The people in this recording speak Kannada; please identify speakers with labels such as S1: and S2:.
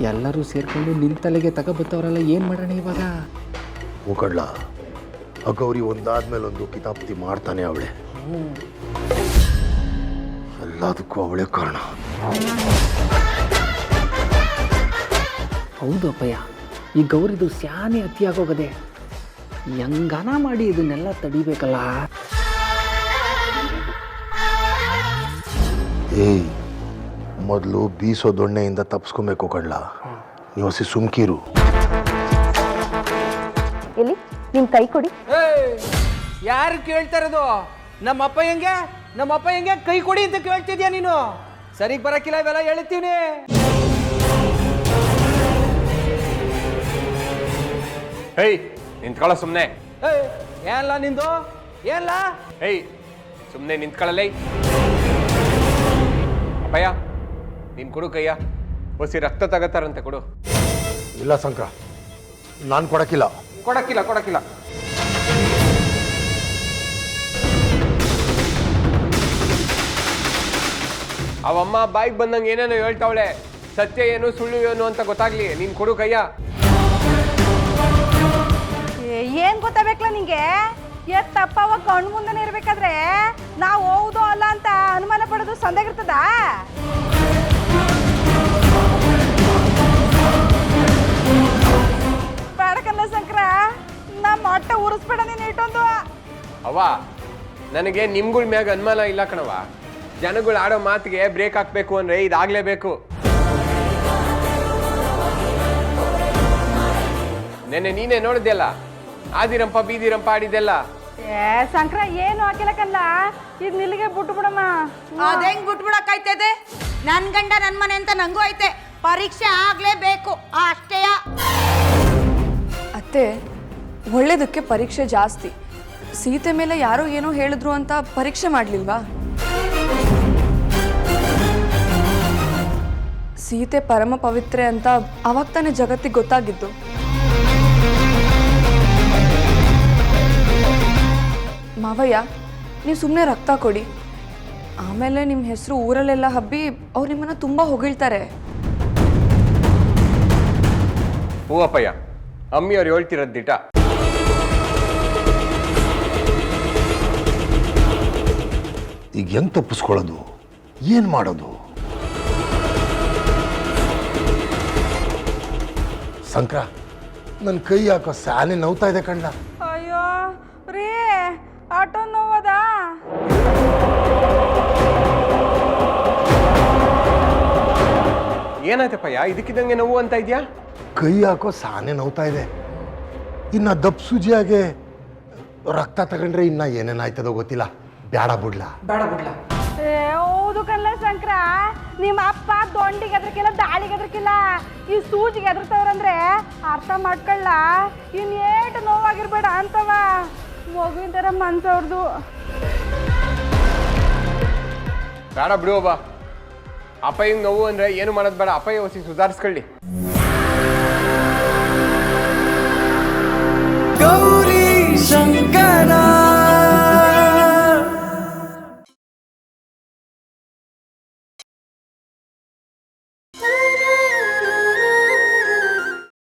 S1: ಎಲ್ಲರೂ ಸೇರ್ಕೊಂಡು ನಿನ್ನ ತಲೆಗೆ ತಗೋಬತ್ತವರಲ್ಲ, ಏನು ಮಾಡೋಣ ಇವಾಗ?
S2: ಹೋಗಡ್ಲ ಆ ಗೌರಿ ಒಂದಾದ್ಮೇಲೆ ಒಂದು ಕಿತಾಪ್ತಿ ಮಾಡ್ತಾನೆ ಅವಳೆ. ಎಲ್ಲದಕ್ಕೂ ಅವಳೇ ಕಾರಣ.
S1: ಹೌದು ಅಪ್ಪಯ್ಯ, ಈ ಗೌರಿದು ಸ್ಯಾನೆ ಅತಿಯಾಗೋಗದೆ. ಹೆಂಗಾನ ಮಾಡಿ ಇದನ್ನೆಲ್ಲ ತಡಿಬೇಕಲ್ಲ.
S2: ಏಯ್, ಮೊದಲು ಬೀಸೋ ದೊಣ್ಣೆಯಿಂದ ತಪ್ಪಿಸ್ಕೊಬೇಕು ಕಡ್ಲ. ನೀವು ಹಸಿ ಸುಮ್ಕೀರು.
S3: ಎಲ್ಲಿ ನಿಮ್ಮ ಕೈ ಕೊಡಿ.
S4: ಯಾರು ಕೇಳ್ತಾ ಇರೋದು? ನಮ್ಮ ಅಪ್ಪ ಹೆಂಗೆ ಕೈ ಕೊಡಿ ಅಂತ ಕೇಳ್ತಿದ್ಯಾ ನೀನು? ಸರಿಗ್ ಬರಕ್ಕಿಲ್ಲ, ಇವೆಲ್ಲ ಹೇಳ್ತೀವಿ.
S5: ಹೇಯ್, ನಿಂತ್ಕೊಳ್ಳೋ ಸುಮ್ಮನೆ.
S4: ಏನ್ಲ ನಿಂದು? ಏನ್ಲ?
S5: ಹೇಯ್, ಸುಮ್ಮನೆ ನಿಂತ್ಕೊಳ್ಳಲೇ. ಅಪ್ಪಯ್ಯ, ನೀನು ಕೊಡು ಕೈಯ. ಹೊಸಿ ರಕ್ತ ತಗತ್ತಾರಂತೆ, ಕೊಡು.
S2: ಇಲ್ಲ ಸಂಕ್ರ, ನಾನು ಕೊಡಕ್ಕಿಲ್ಲ.
S5: ಕೊಡಕ್ಕಿಲ್ಲ. ಅವಮ್ಮ ಬಾಯಿಗೆ ಬಂದಂಗೆ ಏನೇನೋ ಹೇಳ್ತಾವಳೆ. ಸತ್ಯ ಏನು ಸುಳ್ಳು ಏನು ಅಂತ ಗೊತ್ತಾಗ್ಲಿ. ನೀನು ಕೊಡು ಕೈಯ.
S3: ಏನ್ ಗೊತ್ತಾಗಬೇಕಲ್ಲ ನಿಂಗೆ? ತಪ್ಪವ ಕಣ್ಣು ಮುಂದೆ ಇರ್ಬೇಕಾದ್ರೆ ನಾವು ಹೌದು ಅಲ್ಲ ಅಂತ ಅನುಮಾನ ಪಡೋದು ಸಂದೇಗಿರ್ತದ? ಬೇಡಕಲ್ಲ ಶಂಕರ, ನಮ್ಮ ಹೊಟ್ಟೆ ಉರಿಸ್ಬೇಡ ನೀನು ಇಟ್ಟೊಂದು.
S5: ಅವ್ವ, ನನಗೆ ನಿಮ್ಗಳ ಮ್ಯಾಗ ಅನುಮಾನ ಇಲ್ಲ ಕಣವ. ಜನಗಳು ಆಡೋ ಮಾತಿಗೆ ಬ್ರೇಕ್ ಹಾಕ್ಬೇಕು ಅಂದ್ರೆ ಇದಾಗ್ಲೇಬೇಕು. ನೆನ್ನೆ ನೀನೇ ನೋಡಿದ್ಯಲ್ಲ, ಆದಿರಂಪ ಬೀದಿರಂಪ ಆಡಿದ್ದೆಲ್ಲ.
S3: ಶಂಕರ ಏನು ಹಾಕಿಲಕಲ್ಲ, ಇದು ನಿಲ್ಲಿಗೆ ಬಿಟ್ಟು ಬಿಡಮ್ಮ.
S6: ಅದೇಂಗ್ ಬಿಟ್ಬಿಡಕ್ಕಾಯ್ತದೆ? ನನ್ ಗಂಡ ನನ್ ಮನೆ ಅಂತ ನಂಗೂ ಐತೆ. ಪರೀಕ್ಷೆ ಆಗ್ಲೇಬೇಕು ಅಷ್ಟೇಯ.
S7: ಅತ್ತೆ, ಒಳ್ಳೇದಕ್ಕೆ ಪರೀಕ್ಷೆ ಜಾಸ್ತಿ. ಸೀತೆ ಮೇಲೆ ಯಾರೋ ಏನೋ ಹೇಳಿದ್ರು ಅಂತ ಪರೀಕ್ಷೆ ಮಾಡಲಿಲ್ವಾ? ಸೀತೆ ಪರಮ ಪವಿತ್ರೆ ಅಂತ ಅವಾಗ ತಾನೇ ಜಗತ್ತಿಗೆ ಗೊತ್ತಾಗಿದ್ದು. ಮಾವಯ್ಯ, ನೀವು ಸುಮ್ಮನೆ ರಕ್ತ ಕೊಡಿ. ಆಮೇಲೆ ನಿಮ್ಮ ಹೆಸರು ಊರಲ್ಲೆಲ್ಲ ಹಬ್ಬಿ ಅವ್ರು ನಿಮ್ಮನ್ನು ತುಂಬ ಹೊಗಳ್ತಾರೆ.
S5: ಹೂ ಅಪ್ಪಯ್ಯ, ಅಮ್ಮಿಯವ್ರು ಹೇಳ್ತಿರೋದು ದಿಟ.
S2: ಈಗ ಹೆಂಗ್ ತಪ್ಪಿಸ್ಕೊಳ್ಳೋದು? ಏನು ಮಾಡೋದು? ಸಂಕ್ರ, ನನ್ನ ಕೈ ಯಾಕೋ ಸ್ಯಾನೆ ನೋವ್ತಾ ಇದೆ ಕಣ್ಣ.
S3: ಅಯ್ಯೋ ರೀ, ಆಟೋ ನೋವದ?
S5: ಏನಾಯ್ತಪ್ಪಯ್ಯ, ಇದಕ್ಕಿದ್ದಂಗೆ ನೋವು ಅಂತ ಇದೆಯಾ?
S2: ಕೈ ಯಾಕೋ ಸಾನೆ ನೋವ್ತಾ ಇದೆ. ಇನ್ನ ದಪ್ಪ ಸೂಜಿಯಾಗೆ ರಕ್ತ ತಗೊಂಡ್ರೆ ಇನ್ನ ಏನೇನಾಯ್ತದೋ ಗೊತ್ತಿಲ್ಲ. ಬೇಡ ಬಿಡ್ಲಾ?
S3: ಹೌದು ಕಲ್ಲ ಶಂಕರ, ನಿಮ್ಮ ಅಪ್ಪ ದೊಂಡಿಗೆ ಎದ್ರಕಿಲ್ಲ, ದಾಳಿಗೆ ಎದ್ರಕಿಲ್ಲ, ಈ ಸೂಜಿಗೆ ಎದ್ರತವ್ರಂದ್ರೆ ಅರ್ಥ ಮಾಡ್ಕೊಳ್ಳ. ಇನ್ನೇಟು ನೋವಾಗಿರ್ಬೇಡ ಅಂತವ. ಮಗುವಿನ ಥರ ಮನ್ಸವ್ರದು.
S5: ಬೇಡ ಬಿಡು ಒಬ್ಬ. ಅಪ್ಪಯ್ಯಂಗೆ ನೋವು ಅಂದ್ರೆ ಏನು ಮಾಡೋದು ಬೇಡ. ಅಪ್ಪಯ್ಯ ಹೊಸಿ ಸುಧಾರಿಸ್ಕೊಳ್ಳಿ.